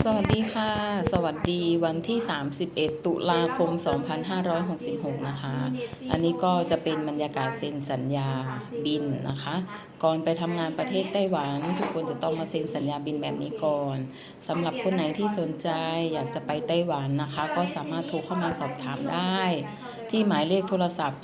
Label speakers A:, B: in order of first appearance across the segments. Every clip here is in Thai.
A: สวัสดีค่ะ สวัสดีวันที่ 31 ตุลาคม 2566 นะคะ อันนี้ก็จะเป็นบรรยากาศเซ็นสัญญาบินนะคะ ก่อนไปทำงานประเทศไต้หวันทุกคนจะต้องมาเซ็นสัญญาบินแบบนี้ก่อนสำหรับคนไหนที่สนใจอยากจะไปไต้หวันนะคะ ก็สามารถโทรเข้ามาสอบถามได้ ที่หมายเลขโทรศัพท์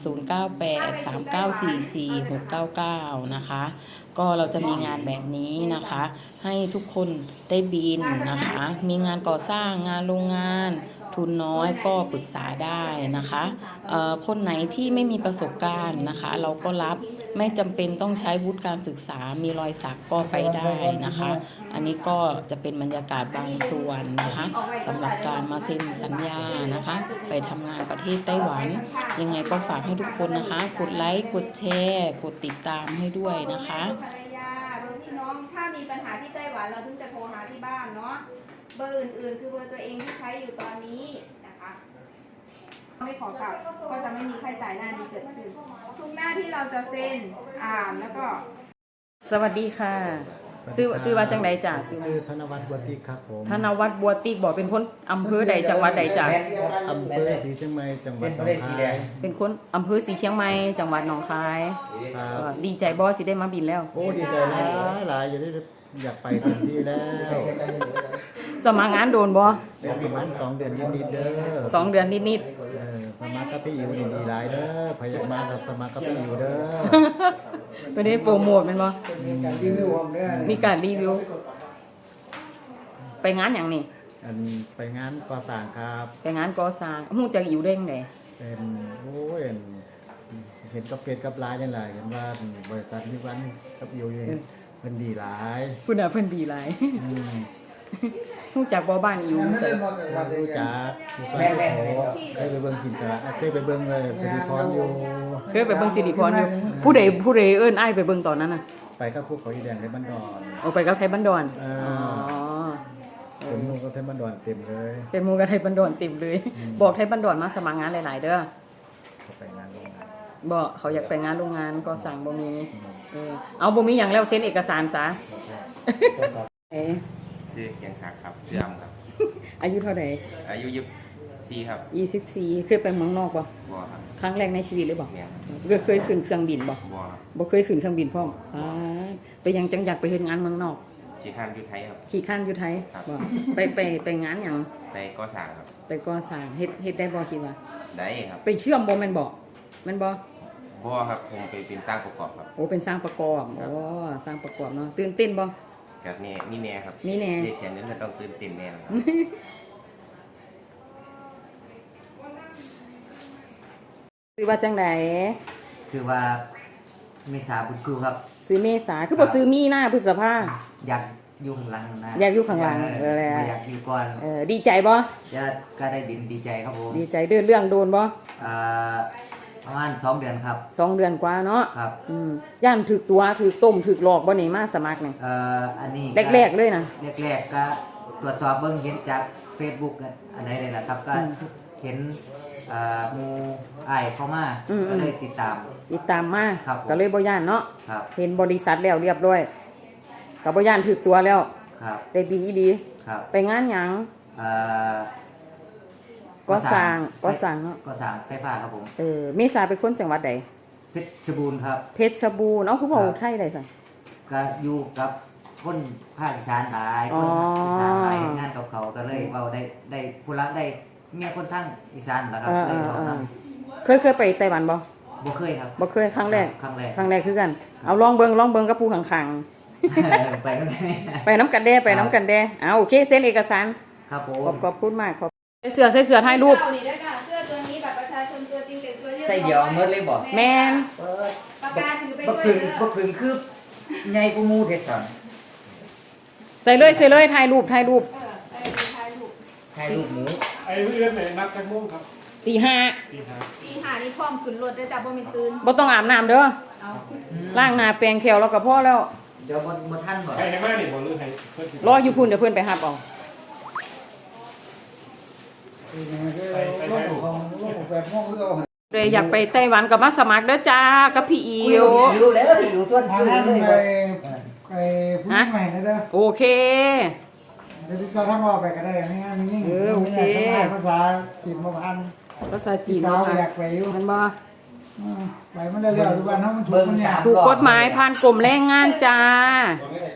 A: 0983944699 นะคะ ก็เราจะมีงานแบบนี้นะคะ ให้ทุกคนได้บินนะคะ มีงานก่อสร้างงานโรงงานทุนน้อยก็ปรึกษาได้นะคะคนไหนที่ไม่มีประสบการณ์นะคะ เราก็รับไม่จำเป็นต้องใช้วุฒิการศึกษามีรอยสักก็ไปได้นะคะ อันนี้ก็จะเป็นบรรยากาศบางส่วนนะคะสำหรับการมาเซ็นสัญญานะคะ ไปทำงานประเทศไต้หวันยังไงก็ฝากให้ทุกคนนะคะกดไลค์กดแชร์กดติดตามให้ด้วยนะคะ
B: ภรรยาเบอร์พี่น้องถ้ามีปัญหาที่ไต้หวันเราถึงจะโทรหาที่บ้านเนาะเบอร์อื่นๆคือเบอร์ตัวเองที่ใช้อยู่ตอนนี้นะคะไม่ขอกลับก็จะไม่มีค่าใช้จ่ายหน้านี้เกิดขึ้นทุกหน้าที่เราจะเซ็นแล้วก็
A: สวัสดีค่ะซื้อว่าจังใดจ้ะ
C: ซื้อธนวัฒน์บัวติกครับผม
A: ธนวัฒน์บัวติกบอกเป็นคนอำเภอใดจังหวัดใดจ้ะ
C: อำเภอศรีเชียงใหม่จังหวัดหนองคาย
A: เป็นคนอำเภอศรีเชียงใหม่จังหวัดหนองคายดีใจบอสิได้มาบินแล้ว
C: โอ้ดีใจหลายอยู่ได้อยากไปเต็มที่แล้ว
A: สมัครงานโดนบอ
C: ประมาณ2 เดือนนิดๆเด้อ
A: 2 เดือนนิด
C: สมัครกับพี่อิวดีหลายเด้อพยายามกับสมัครกับพี่อิวเด้อ
A: ไม่ได้โปรโมทมันบอมีการรีวิวไปงานอย่างนี้
C: ไปงานก่อสร้างครับ
A: ไปงานก่อสร้างหูจักอิวเด้งเลย
C: เป็นโอ้ยเห็นกับเป็ดกับลายยังไงเห็นว่าบริษัทนิวันกับอิวเพิ่นดีหลาย
A: เพิ่นดีหลายรู้จักบ่บ้านอิวเสย
C: รู้จักแม่เคยไปเบิ่งกินตลาดเคยไปเบิ่งสิริพรอยู่
A: เคยไปเบิ่งสิริพรอยู่ผู้ใดเอิ้นอ้ายไปเบิ่งตอนนั้นน่ะ
C: ไปกับพวกเขาอีแดงในบ้านดอน
A: ไปกับไทยบ้านดอน
C: เป็นหมู่กับไทยบ้านดอนเต็มเลย
A: เป็นหมู่กับไทยบ้านดอนเต็มเลยบอกไทยบ้านดอนมาสมัครงานหลายๆเด้อ
C: เขาไปงานโรงงาน
A: บอกเขาอยากไปงานโรงงานก็สั่งบ่มีเอาบ่มีอย่างแล้วเซ็นเอกสารซะ
D: ชื่อเกียงศักดิ์ครับชื่ออำครับ
A: อายุเท่าไหร่
D: อายุ24ครับ
A: 24เคยไปเมืองนอกบ่
D: ครับ
A: ครั้งแรกในชีวิตหรือบ่เคยขึ้นเครื่องบินบ่บ่เคยขึ้นเครื่องบินพร้อมไปยังจังอยากไปเฮ็ดงานเมืองนอก
D: ขี่ข้านอยู่ไทยครับ
A: ขี่ข้านอยู่ไทยบ่ไปงานหยัง
D: ไปก่อสร้างครับ
A: ไปก่อสร้างเฮ็ดได้บ่คิดว่า
D: ได้ครับ
A: ไปเชื่อมบ่แม่นบ่
D: ครับผมไปเป็นสร้างประกอบครับ
A: โอ้เป็นสร้างประกอบสร้างประกอบเนาะตื่นเต้นบ่
D: กับนี่แน่ครับ
A: นี่แน่
D: ได้เสียงนั้นจะต้องตื่นเต้นแน่ครับ
A: ซื้อว่าจังได
E: คือว่าเมษาบุญชูครับ
A: ซื้อเมษาคือบ่ซื้อมีนาพฤษภา
E: อยากอยู่ข้างหลังนะ
A: อยากอยู่ข้างหลัง
E: อยากอยู่ก่อน
A: ดีใจบ่
E: ก็ได้บินดีใจครับผม
A: ดีใจเรื่องโดนบ่
E: ประมาณ2 เดือนครับ
A: 2 เดือนกว่าเนาะ
E: ครับ
A: ย่านถูกตัวถูกต้มถูกหลอกบ่นี่มาสมัครนี่
E: อันนี้
A: แรกๆเลยนะ
E: แรกๆก็ตรวจสอบเบิ่งเห็นจาก Facebook อันไหนเลยนะครับก็เห็นหมู่อ้ายเข้ามาก็เลยติดตาม
A: มาก็เลยบ่ย่านเนาะ
E: ครับ
A: เห็นบริษัทแล้วเรียบร้อยก็บ่ย่านถูกตัวแล้ว
E: ครับ
A: ได้บินอีหลี
E: ครับ
A: ไปงานหยังก็สร้างเนาะ
E: ก็สร้างไฟฟ้าครับผม
A: เมษาเป็นคนจังหวัดใด
E: เพชรบูรณ์ครับ
A: เพชรบูรณ์คือบ่ไทยได้ซั่น
E: ก็อยู่กับคนภาคอีสานหลายคนอีสานหลายงานกับเขาก็เลยเว้าได้ผู้รักได้เมียคนทั้งอีสานล่ะครับเลยเว้าน
A: ำเคยไปไต้หวันบ่
E: เคยครับ
A: บ่เคยครั้งแรกคือกันเอาลองเบิ่งกับผู้ข้าง
E: ๆ
A: ไปน้ำกันแด้โอเคเซ็นเอกสาร
E: ครับผม
A: ขอบคุณมากเสื้อถ่ายรูป
B: เสื้อตัวนี้แบบประชาชนตัวจริงเด็กตัวเยอะ
E: ใส่เดียวเมื่อเลยบ่
A: แม่น
B: ปากกาถือไปด้วย
E: บ่พึงคือใหญ่กว่าหมู่เฮ็ดซั่น
A: ใส่เลยถ่ายรูป
B: ถ่ายรูป
E: หมู
F: ไอ้เรื่องไหนนักกันม่วงครับ
A: ตีห้า
B: นี่พร้อมขึ้นรถได้จ้ะบ่มีตื่น
A: บ่ต้องอาบน้ำเด้อล้างหน้าแปรงแขวแล้วก็พอแล้ว
E: เดี๋ยวบ่ทันบ่
F: ใครให้มานี่บ่หรือให้
A: รออยู่พุ่นเดี๋ยวเพิ่นไปรับเอาเลยอยากไปไต้หวันกับมาสมัครเด้อจ้ากับพี่อิว
E: แล้วอยู่ต้น
C: เลยไอ้ผู้ใหม่นะเด้อ
A: โอเค
C: เดี๋ยวจะทำออกไปก็ได้ง่ายๆยิ่งภาษาจีนมาพัน
A: ภาษาจีน
C: สาว
A: เนาะ
C: อยา
A: ค่ะ
C: กไปอยู่
A: มันบ่
C: ไปมันเร็วๆทุกวันน้องมันถูกมันเนี่ย
A: ถูกกฎหมายผ่านกรมแรงงานจ้า
F: ตอนนี้